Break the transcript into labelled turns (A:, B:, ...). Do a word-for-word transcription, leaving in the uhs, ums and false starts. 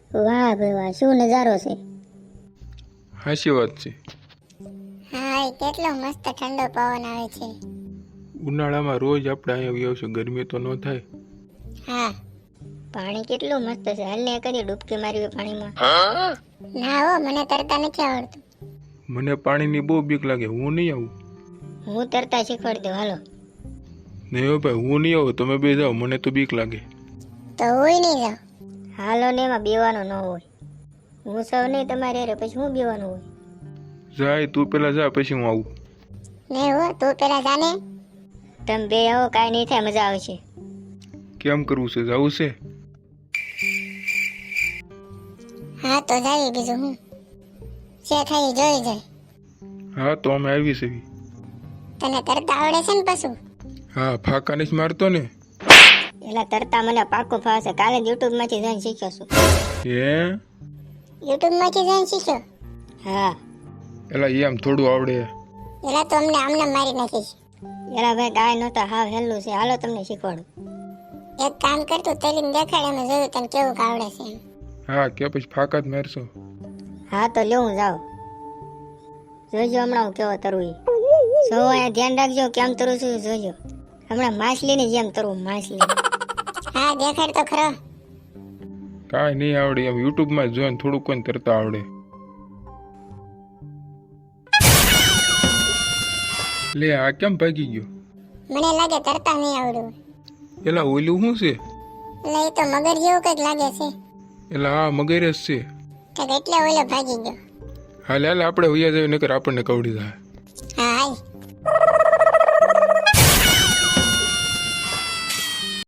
A: વાહ ભાઈ વાહ, શું નજારો છે.
B: હાચી વાત છે.
C: હા એ કેટલો મસ્ત ઠંડો પવન આવે છે.
B: ઉનાળામાં રોજ આપણે અહીંયા આવશું, ગરમી તો ન થાય.
C: હા
A: પાણી કેટલું મસ્ત છે. હાલ ને કદી ડૂબકી મારવી પાણીમાં.
C: ના હો, મને તરતા નથી આવડતું.
B: મને પાણીની બહુ બીક લાગે, હું નહીં આવું.
A: હું તરતા શીખવાડી દઉં, હાલો.
B: નહીં હો ભાઈ, હું નહીં આવું, તમે બે જાઓ, મને તો બીક લાગે.
C: તો હું નહીં જાઉં.
A: હાલો ને, એમાં બેવાનું ન હોય. હું સૌ નહીં તમારે હારે, પછી હું બેવાનું હોય.
B: જાય તું પેલા જા, પછી હું આવું.
C: નહીં હો, તું પેલા જાને.
A: તમે બે આવો, કાંઈ નહીં થાય, મજા આવશે.
B: કેમ કરવું છે, જવું છે?
C: હા તો જાવી, બીજું હું છે થાય જોઈ જાય.
B: હા તો અમે આવી છે.
C: તને તરતા આવડે છે ને પશુ?
B: હા, ફાકા નથી મારતો ને.
A: એલા તરતા મને પાકું ફાવશે. કાલે જ યુટ્યુબ માંથી જોઈને શીખ્યો છું.
B: હે
C: યુટ્યુબ માંથી જોઈને શીખ્યો?
A: હા.
B: એલા એમ થોડું આવડે.
C: એલા તો અમને આમને મારી નાખીશ.
A: એલા ભાઈ કાંઈ નહોતા, હાવ હેલું છે. હાલો તમને શીખવાડું.
C: એક કામ કરતું તેલીને દેખાડે, અમે જોયું તને કેવું આવડે છે એમ.
B: હા કે પછી ફાકા જ મારશો?
A: હા તો લેવું જાઓ. જોજો હમણાં હું કેવો તરું ઈ. સૌ અહીંયા ધ્યાન રાખજો કેમ તરું છું જોજો. હમણાં માછલીની જેમ તરું, માછલી.
C: હા દેખાડ તો ખરો.
B: કાંઈ નહીં આવડે, એમ યુટ્યુબમાં જોઈને થોડુંક કોઈ તરતા આવડે. લે આ કેમ ભાગી ગયો?
C: મને લાગે તરતા નહીં આવડ્યું.
B: એલા ઓલું શું છે?
C: એટલે એ તો મગર જેવું કંઈક લાગે છે.
B: એલા આ મગર જ છે.
C: કંઈક એટલે ઓલો ભાગી ગયો.
B: હાલ હાલ આપણે વૈયા જઈએ, નકર આપણને કવડી જાય.
C: હા હાલ.